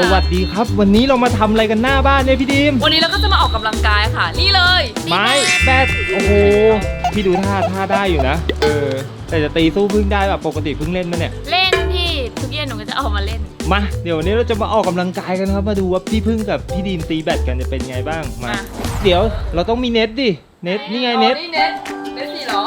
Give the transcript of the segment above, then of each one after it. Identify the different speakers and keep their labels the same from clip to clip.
Speaker 1: วัสดีครับวันนี้เรามาทำอะไรกันหน้าบ้านเนี่ยพี่ดีม
Speaker 2: วันนี้เราก็จะมาออกกำลังกายค่ะนี่เลย
Speaker 1: ไม้แบดโอ้โหพี่ดูท่าได้อยู่นะแต่จะตีสู้พึ่งได้แบบปกติพึ่งเล่นมั้ยเนี่ย
Speaker 2: เล่นพี่ทุกเย็นหนูก็จะเอามาเล่น
Speaker 1: มาเดี๋ยววันนี้เราจะมาออกกำลังกายกันครับมาดูว่าพี่พึ่งกับพี่ดีมตีแบดกันจะเป็นไงบ้างมาเดี๋ยวเราต้องมีเน็ตดิเน็ตนี่ไงเน็ต
Speaker 2: สิเหรอ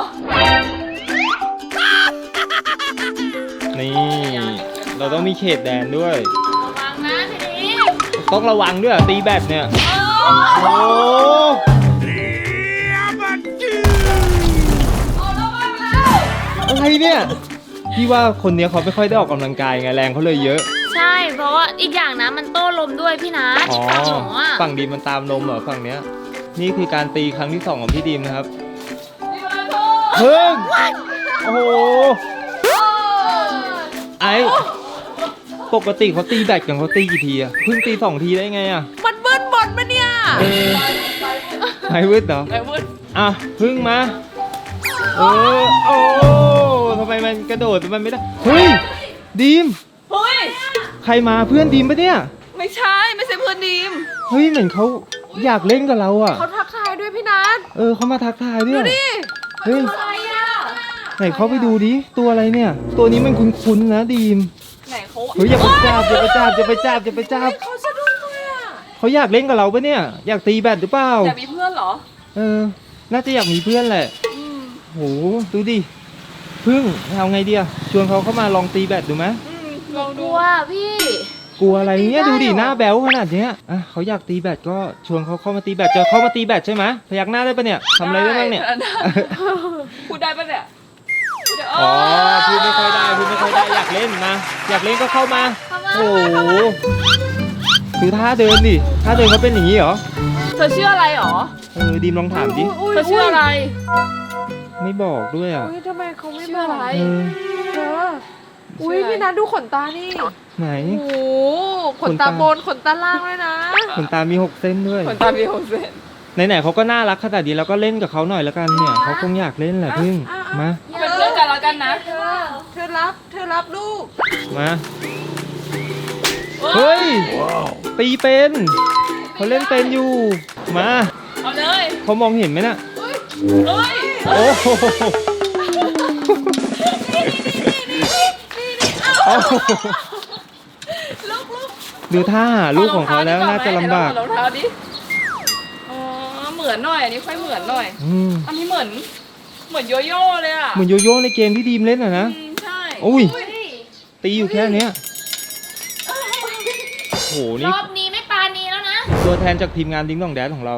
Speaker 1: นี่เราต้องมีเขตแดนด้วย
Speaker 2: ระวังนะทีนี้
Speaker 1: ต้องระวังด้วยตีแบดเนี่ยโอ้อะไรเนี่ยพี่ว่าคนนี้เขาไม่ค่อยได้ออกกำลังกายไงแรงเขาเลยเยอะ
Speaker 2: ใช่เพราะว่าอีกอย่างนะมันโต้ลมด้วยพี่นะ
Speaker 1: ฝั่งดีมมันตามลมเหรอฝั่งเนี้ยนี่คือการตีครั้งที่2ของพี่ดีมนะครับเพิ่งโอ้โหไอปกติเขาตีแบดกันเขาตีกี่ทีอะเพิ่งตี2 ทีได้ไงอะ
Speaker 2: มันเบิ้ลบอลมาเนี่ย
Speaker 1: ไอวืดเหรอ
Speaker 2: ไอวืด
Speaker 1: อ่ะเพิ่งมาโอ้ทำไมมันกระโดดมันไม่ได้เฮ้ยดีม
Speaker 2: เฮ้ย
Speaker 1: ใครมาเพื่อนดีมปะเนี่ย
Speaker 2: ไม่ใช่เพื่อนดีม
Speaker 1: เฮ้ยเหมือนเขาอยากเล่นกับเราอะ
Speaker 2: เขาทักทายด้วยพี่นัท
Speaker 1: เขามาทักทายด้วย
Speaker 2: ดูดิ
Speaker 1: เฮ้ย
Speaker 2: อะไรอะ
Speaker 1: ไหนเขาไปดูดิตัวอะไรเนี่ยตัวนี้มันคุ้นๆนะดีม
Speaker 2: ไหนเขา
Speaker 1: เฮ้ยอย่าไปจับเขา
Speaker 2: สะดุ้งเลยอะ
Speaker 1: เขาอยากเล่นกับเราปะเนี่ยอยากตีแบดหรือเปล่า
Speaker 2: อยากมีเพื่อนเหรอ
Speaker 1: น่าจะอยากมีเพื่อนแหละโหดูดิพึ่งเอาไงเดียชวนเขาเข้ามาลองตีแบดดูไหม
Speaker 2: ลองดูว่าพี่
Speaker 1: กลัวอะไรเนี่ยดูดิหน้าแบ๊วขนาดเนี้ยเขาอยากตีแบดก็ชวนเขาเข้ามาตีแบดจะเข้ามาตีแบดใช่ไหมพยักหน้าได้ปะเนี่ยทำอะไรได้บ้างเนี่ย
Speaker 2: พูดได้ปะเนี่ย
Speaker 1: พูดไม่ค่อยได้อยากเล่นมาอยากเล่นก็เข้ามาโอ้โหคือท่าเดินดิท่าเดินเขาเป็นอย่างนี้เหรอ
Speaker 2: เธอชื่ออะไรหรอ
Speaker 1: ดีมลองถามดิ
Speaker 2: เธอชื่ออะไร
Speaker 1: ไม่บอกด้วยอ่ะ
Speaker 3: ทำไมเขาไม่บอก
Speaker 2: อะไร
Speaker 3: พี่นัทดูขนตานี่
Speaker 1: ไหน
Speaker 3: โอ้ขนตาบนขนตาล่างด้วยนะ
Speaker 1: ขนตามี6 เส้นด้วย
Speaker 2: ขนตามี6 เส้น
Speaker 1: ไหนๆเขาก็น่ารักขนาดนี้แล้วก็เล่นกับเขาหน่อยแล้วกันเนี่ยเขาคงอยากเล่นแหละพึ่งมา
Speaker 2: เป็นเพื่อนกันแล้วกันนะ
Speaker 3: เธอรับลูก
Speaker 1: มาเฮ้ยตีเป็นเขาเล่นเป็นอยู่มา
Speaker 2: เอาเลย
Speaker 1: เขามองเห็นไหมน่ะ
Speaker 2: เฮ้ย
Speaker 1: โอ้โหดูท่าลูกของเขาแล้วน่าจะลำบาก
Speaker 2: รองเท้าดิเหมือนหน่อยอันนี้ค่อยเหมือนหน่อยอันนี้เหมือนโยโย่เลยอะ
Speaker 1: เหมือนโยโย่ในเกมที่ดีมเล่นอะนะ
Speaker 2: ใช่
Speaker 1: อุ้ยตีอยู่แค่เนี้ยโหนี่
Speaker 2: รอบนี้ไม่ปานีแล้วนะ
Speaker 1: ตัวแทนจากทีมงานดิ้งดองแดดของเรา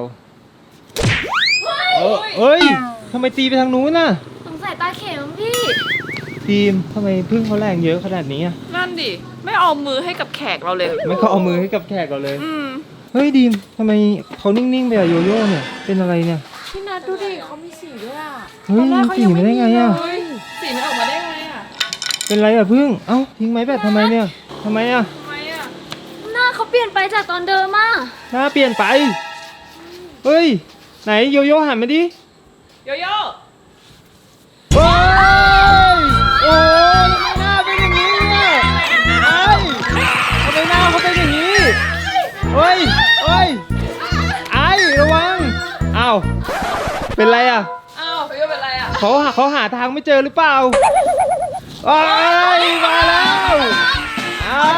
Speaker 1: เฮ้ยทำไมตีไปทางนู้นน่ะ
Speaker 2: สงสัยตาเข็มพี่
Speaker 1: ทีมทำไมพึ่งเขาแรงเยอะขนาดนี้อ่ะ
Speaker 2: นั่นดิไม่เอามือให้กับแขกเราเลย
Speaker 1: ไม่เขาเอามือให้กับแขกเราเลยเฮ้ยดีมทำไมเขานิ่งๆไปอะโยโย่เนี่ยเป็นอะไรเนี่ย
Speaker 3: พี่นัทดูดิเขามีสีด้วยอ่ะ
Speaker 1: เฮ้ยสีมาได้ไงอ่ะ
Speaker 2: สีมันออกมาได้ไงอ่ะ
Speaker 1: เป็นไรอ่ะพึ่งเอ้าทิ้งไม้แบตทำไมเนี่ยทำไมอ่ะ
Speaker 2: หน้าเขาเปลี่ยนไปจากตอนเดิมอ่ะ
Speaker 1: หน้าเปลี่ยนไปเฮ้ยไหนโยโย่หันมาดิ
Speaker 2: โยโย่
Speaker 1: เฮ้ยโอ้ยหน้าเป็นอย่างนี้เนี่ยทำไมหน้าเขาเป็นอย่างนี้เฮ้ยไอ้ระวังอ้าวเป็นไรอ่ะ
Speaker 2: อ้าวโยโย่เป็นไรอ่ะ
Speaker 1: เขาหาทางไม่เจอหรือเปล่าไอ้มาแล้วไอ้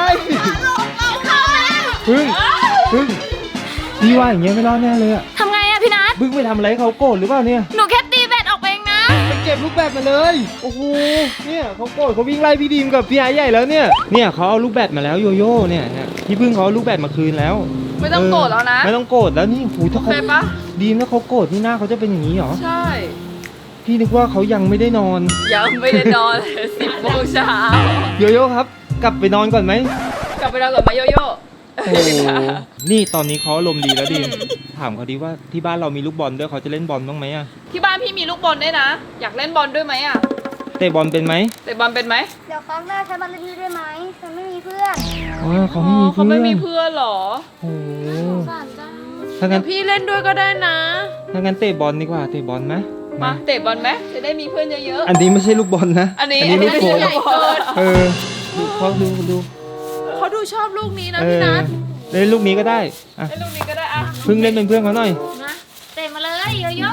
Speaker 1: พึ่งพี่ว่าอย่างเงี้ยไม่รอดแน่เลยอ่ะ
Speaker 2: ทำไงอ่ะพี่นัท
Speaker 1: พึ่งไปทำอะไรเขาโกรธหรือเปล่าเนี่ย
Speaker 2: หนูแค่ตีแบตออกเองนะ
Speaker 1: ไปเก็บลูกแบตมาเลยโอ้โหเนี่ยเขาโกรธเขาวิ่งไล่พี่ดีมกับพี่ไอ้ใหญ่แล้วเนี่ยเขาเอาลูกแบตมาแล้วโยโย่เนี่ยพี่พึ่งเขาเอาลูกแบตมาคืนแล้ว
Speaker 2: ไม่ต้องโกรธแล้วนะ
Speaker 1: ไม่ต้องโกรธแล้วนี่หูถ้าเขาดีมถ้าเขาโกรธนี่หน้าเขาจะเป็นอย่างนี้หรอ
Speaker 2: ใช่
Speaker 1: พี่นึกว่าเขายังไม่ได้นอน
Speaker 2: 10 โมงเช้า
Speaker 1: โยโย่ครับกลับไปนอนก่อนไหม
Speaker 2: กลับไปนอนก่อนไหมโยโย่
Speaker 1: โอ้นี่ตอนนี้เขาอารมณ์ดีแล้วดิถามเขาดีว่าที่บ้านเรามีลูกบอลด้วยเขาจะเล่นบอลบ้างไหมอ่ะ
Speaker 2: ที่บ้านพี่มีลูกบอลด้วยนะอยากเล่นบอลด้วยไหมอ่ะ
Speaker 1: เตะบอลเป็นไหม
Speaker 2: เตะบอลเป็นไหม
Speaker 4: เดี๋ยวครั้งหน้าใช้บอลเล่นด้วยไหมฉันไม่มีเพื่อน
Speaker 1: เขาไม่มีเพื่อน
Speaker 2: หรอ
Speaker 1: โอ้
Speaker 3: สารจัง
Speaker 1: ถ้างั้น
Speaker 3: พี่เล่นด้วยก็ได้นะ
Speaker 1: ถ้างั้นเตะบอลดีกว่าเตะบอลไหม
Speaker 2: มาเตะบอลไหมจะได้มีเพื่อนเยอะ
Speaker 1: ๆอันนี้ไม่ใช่ลูกบอลนะ
Speaker 2: อันนี้ลูกโป่ง
Speaker 1: เขาดู
Speaker 3: เขาดูชอบลูกนี้นะพี่นัท
Speaker 1: เล่นลูกนี้ก็ได้อ่ะ
Speaker 2: ไอ้ลูกนี้ก็ได้อะ
Speaker 1: พึ่งเล่นเป็นเพื่อนเขาหน่อย
Speaker 4: นะเตะมาเลยโยโย่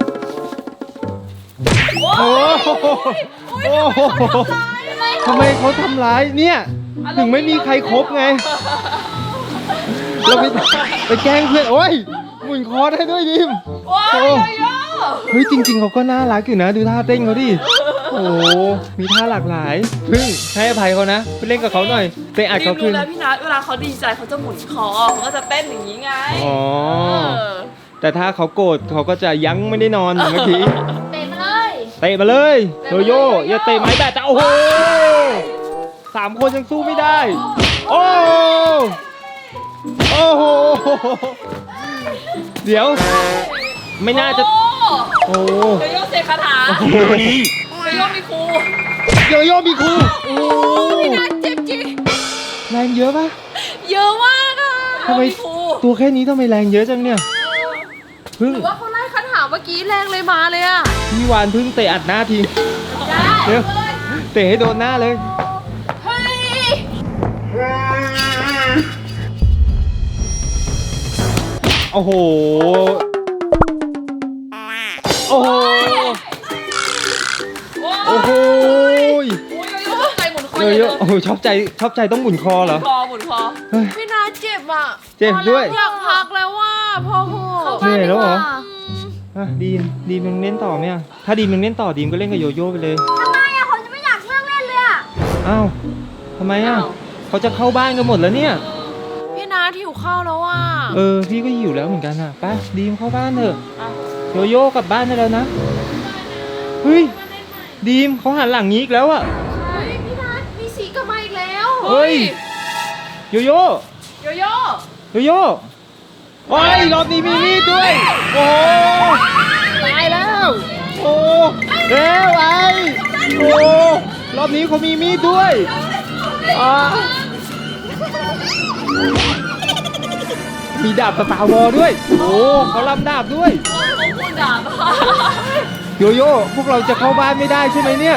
Speaker 1: โอ้โหโอ้โหทำไมเขาทำร้ายเนี่ยถึงไม่มีใครครบไงเราไปแกล้งเพื่อนโอ้ยหมุนคอได้ด้วยดิม
Speaker 2: ว้าว
Speaker 1: โอ้
Speaker 2: โยโย่
Speaker 1: เฮ้ยจริงๆเขาก็น่ารักอยู่นะดูท่าเต้นเขาดิโอ้โหมีท่าหลากหลายพึ่งให้อภัยเขานะไปเล่นกับเขาหน่อยเตะอัด
Speaker 2: รี
Speaker 1: เขา
Speaker 2: บ
Speaker 1: คื
Speaker 2: รู้
Speaker 1: น
Speaker 2: แล้วพี่นัทเวลาเขาดีใจเขาจะหมุนคอเขาก็จะเต้นอย่างนี้ไง
Speaker 1: อ๋อ
Speaker 2: เออ
Speaker 1: แต่ถ้าเขาโกรธเขาก็จะยั้งไม่ได้นอนเหมือนเมื่อกี้
Speaker 4: เตะมาเลย
Speaker 1: เตะมาเลยโยโย่อย่าเตะไม้แบตจ้ะโอ้โห3 คนยังสู้ไม่ได้ โอ้โอ้โหเดี๋ยวไม่น่าจะ
Speaker 2: โอ้
Speaker 1: โอ้
Speaker 2: โยโย่เสกคาถา
Speaker 1: โห
Speaker 2: โยโย่มีครู
Speaker 1: โยโย่มีครูโอ้
Speaker 3: พี่นัทเจ็บจริง
Speaker 1: แรงเยอะปะ
Speaker 3: เยอะมากอ่ะ
Speaker 1: ทำไม
Speaker 2: มีครู
Speaker 1: ตัวแค่นี้ทำไมแรงเยอะจังเนี่ยพึ่ง
Speaker 3: หรือว่าเขาไล่คาถาเมื่อกี้แรงเลยมาเลยอ่ะ
Speaker 1: พี่วานพึ่งเตะอัดหน้าที
Speaker 3: ได้
Speaker 1: เดี๋ยวเตะให้โดนหน้าเลย
Speaker 3: เฮ้ย
Speaker 1: โอ้โห โอ้โห โอ้โห
Speaker 2: โอ้ยโยโย่ใจหมุนคอ
Speaker 1: เย
Speaker 2: ใหญ่เล
Speaker 1: อะๆโอ้โหชอบใจต้องหมุนคอเหรอ
Speaker 2: หมุนคอ
Speaker 1: เฮ้ย
Speaker 3: พี่นัทเจ็บอ่ะ
Speaker 1: เจ็บด้วย
Speaker 3: อยากพักแล้วว่าพอโห
Speaker 1: เหนื่อยแล้วเหรออ่ะดีมยังเล่นต่อไหมอ่ะถ้าดีมยังเล่นต่อดีมก็เล่นกับโยโย่ไปเลย
Speaker 4: ทำไมอะผมจะไม่อยากเลิกเล่นเลยอะ
Speaker 1: อ้าวทำไมอ่ะเขาจะเข้าบ้านกันหมดแล้วเนี่ย
Speaker 3: พี่นัทหิวข้าวแล้วอ่ะ
Speaker 1: พี่ก็หิวแล้วเหมือนกันอ่ะไปดีมเข้าบ้านเถอะโยโย่กลับบ้านได้แล้วนะเฮ้ยดีมเขาหันหลังงี้อีกแล้วอ่ะ
Speaker 3: เฮ้ยพี่นัทมีสีกลับมาอีกแล้ว
Speaker 1: เฮ้ยโยโย่
Speaker 2: โยโย่
Speaker 1: โยโย่โอ้ยรอบนี้มีมีดด้วย โอ้ตายแล้ว โอ้เร็วไอ้โอ้รอบนี้เขามีมีดด้วยอ่ามีดาบสตาร์วอลด้วย โอ้เขาลำดาบด้วย
Speaker 2: เขาพูดด่า
Speaker 1: โยโย่พวกเราจะเข้าบ้านไม่ได้ใช่ไหมเนี่ย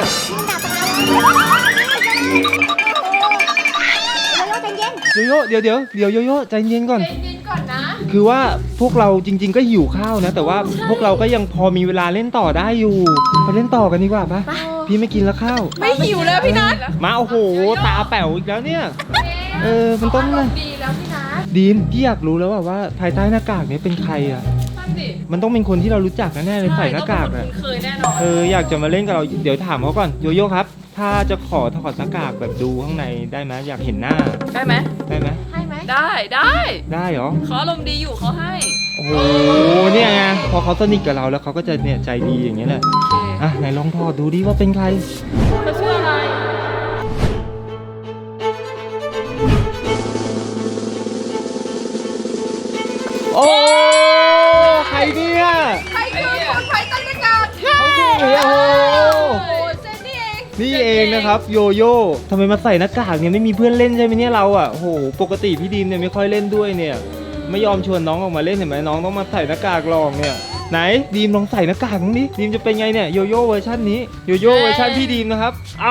Speaker 4: โยโย่ใจเย็น
Speaker 1: โยโย่เดี๋ยวโยโย่ใจเย็นก่อน
Speaker 3: เย็นๆก่อนนะ
Speaker 1: คือว่าพวกเราจริง ๆ ก็หิวข้าวนะ แต่ว่าพวกเราก็ยังพอมีเวลาเล่นต่อได้อยู่ไปเล่นต่อกันดีกว่าปะพี่ไม่กินแล้วข้าว
Speaker 3: ไม่หิวแล้วพี่นัท
Speaker 1: มาโอ้โหตาแป๋วอีกแล้วเนี่ย มันต้อง
Speaker 3: อารมณ์ดีแล้วพี่นัท
Speaker 1: ดีมพี่อยากรู้แล้วว่าภายใต้หน้ากากนี้เป็นใครอ่ะ
Speaker 2: นั่นดิ
Speaker 1: มันต้องเป็นคนที่เรารู้จักแน่ๆเลยใส่หน้ากาก
Speaker 2: ต้
Speaker 1: อ่ะ
Speaker 2: องเป็นคนคุ้นเคยแน่นอน
Speaker 1: อยากจะมาเล่นกับเราเดี๋ยวถามเขาก่อนโยโย่ครับ ถ้าจะขอถอดหน้ากากแบบดูข้างในได้ไหมอยากเห็นหน้า
Speaker 2: ได้ไหม
Speaker 1: ได้ไหม
Speaker 3: ให้ไหม
Speaker 2: ได้ได้
Speaker 1: ได้เหรอ
Speaker 2: เขาอารมณ์ดีอยู่เขาให้
Speaker 1: โอ้โหเนี่ยไงพอเขาสนิทกับเราแล้วเขาก็จะเนี่ยใจดีอย่างเงี้ยแหละ
Speaker 2: โอเค
Speaker 1: อ่ะไหนลองถอดดูดิว่าเป็นใคร
Speaker 2: เขาชื่ออะไร
Speaker 1: โอ้ใครเนี่ย
Speaker 3: ใครคือคนไทยตั้งแต่กาศ
Speaker 1: เขาคือโอ้โห
Speaker 3: โอ้ยเซนนี่เอง
Speaker 1: นี่เองนะครับโยโย่ทำไมมาใส่หน้ากากเนี่ยไม่มีเพื่อนเล่นใช่ไหมเนี่ยเราอ่ะโอ้โหปกติพี่ดีมเนี่ยไม่ค่อยเล่นด้วยเนี่ย ไม่ยอมชวนน้องออกมาเล่นเห็นไหมน้องต้องมาใส่หน้ากากลองเนี่ยไหนดีมลองใส่หน้ากากมั้างดิดีมจะเป็นไงเนี่ยโยโย่เวอร์ชันนี้โยโย่เวอร์ชันพี่ดีมนะครับ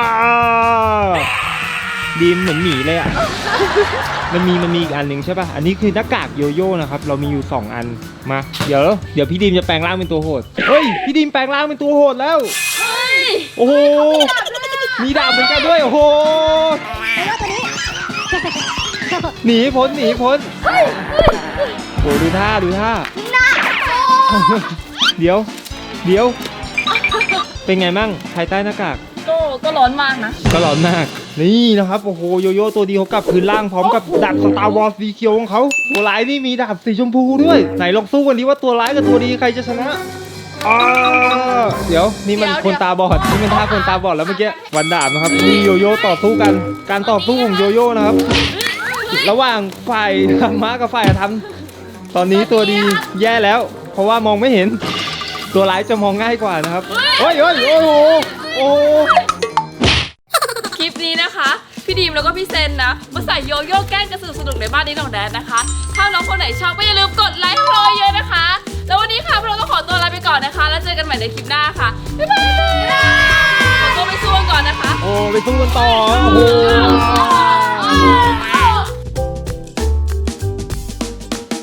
Speaker 1: ดีมเหมือนหมีเลยอ่ะ มันมีอีกอันหนึ่งใช่ป่ะอันนี้คือหน้ากากโยโย่นะครับเรามีอยู่2อันมาเดี๋ยวพี่ดีมจะแปลงร่างเป็นตัวโหดเฮ้ยพี่ดีมแปลงร่างเป็นตัวโหดแล้วโอ้โหมีดาบเหมือนกันด้วยโอ้โห
Speaker 4: โยโย่ตัวนี้
Speaker 1: หนีพ้นโอ้ดูท่า เดี๋ยวเป็นไงมั่งภายใต้หน้ากาก
Speaker 2: ก็ร้อนมากนะ
Speaker 1: ก็ร้อนมากนี่นะครับโอ้โหโยโย่ตัวดีเขากลับคืนร่างพร้อมกับดาบสตาร์วอร์สีเขียวของเขาตัวร้ายนี่มีดาบสีชมพูด้วยไหนลองสู้กันดิว่าตัวร้ายกับตัวดีใครจะชนะเดี๋ยวนี่มันคนตาบอดนี่มันท่าคนตาบอดแล้วเมื่อกี้วันดาบนะครับนี่โยโย่ต่อสู้กันการต่อสู้ของโยโย่นะครับ ระหว่างฝ่ายธรรมะกับฝ่ายอธรรมตอนนี้ตัวดีแย่แล้ว เพราะว่ามองไม่เห็นตัวร้ายจะมองง่ายกว่านะครับโอ้โห
Speaker 2: คลิปนี้นะคะ พี่ดีมแล้วก็พี่เซนนะ มาใส่โยโย่แกล้งกันสนุกๆในบ้านนี้ของแดนนะคะ ถ้าน้องคนไหนชอบก็อย่าลืมกดไลค์ให้พวกเราเยอะนะคะ แล้ววันนี้ค่ะพวกเราต้องขอตัวลาไปก่อนนะคะ แล้วเจอกันใหม่ในคลิปหน้าค่ะ บ๊ายบายขอตัวไปสู้กันก่อนนะคะ
Speaker 1: โอ้ไปสู้กันต่อโอ้โห